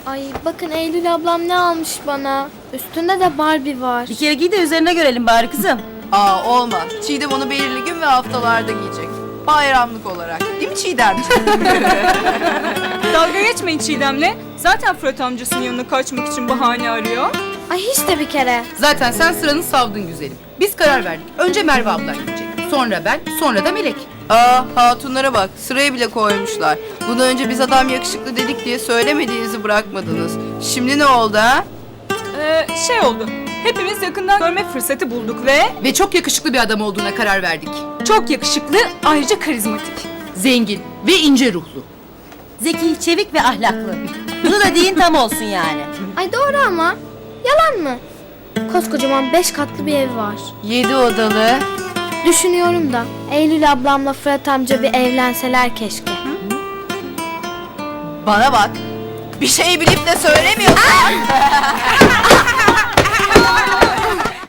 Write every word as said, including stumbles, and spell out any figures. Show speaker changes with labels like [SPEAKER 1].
[SPEAKER 1] Ay bakın Eylül ablam ne almış bana. Üstünde de Barbie var.
[SPEAKER 2] Bir kere giy de üzerine görelim bari kızım.
[SPEAKER 3] Aa olmaz. Çiğdem onu belirli gün ve haftalarda giyecek. Bayramlık olarak. Değil mi Çiğdemciğim?
[SPEAKER 4] Dalga geçmeyin Çiğdem'le. Zaten Fırat amcasının yanına kaçmak için bahane arıyor.
[SPEAKER 1] Ay hiç de bir kere.
[SPEAKER 5] Zaten sen sıranı savdın güzelim. Biz karar verdik. Önce Merve ablan gidecek. Sonra ben, sonra da Melek.
[SPEAKER 3] Aa hatunlara bak. Sıraya bile koymuşlar. Bundan önce biz adam yakışıklı dedik diye söylemediğinizi bırakmadınız. Şimdi ne oldu ha?
[SPEAKER 4] Ee, şey oldu. Hepimiz yakından görme fırsatı bulduk ve
[SPEAKER 5] Ve çok yakışıklı bir adam olduğuna karar verdik.
[SPEAKER 4] çok yakışıklı, ayrıca karizmatik.
[SPEAKER 5] Zengin ve ince ruhlu.
[SPEAKER 2] Zeki, çevik ve ahlaklı. Bunu da deyin tam olsun yani.
[SPEAKER 1] Ay doğru ama. Yalan mı? Koskocaman beş katlı bir ev var.
[SPEAKER 3] Yedi odalı.
[SPEAKER 1] Düşünüyorum da Eylül ablamla Fırat amca bir evlenseler keşke.
[SPEAKER 3] Bana bak. Bir şey bilip de söylemiyorsan.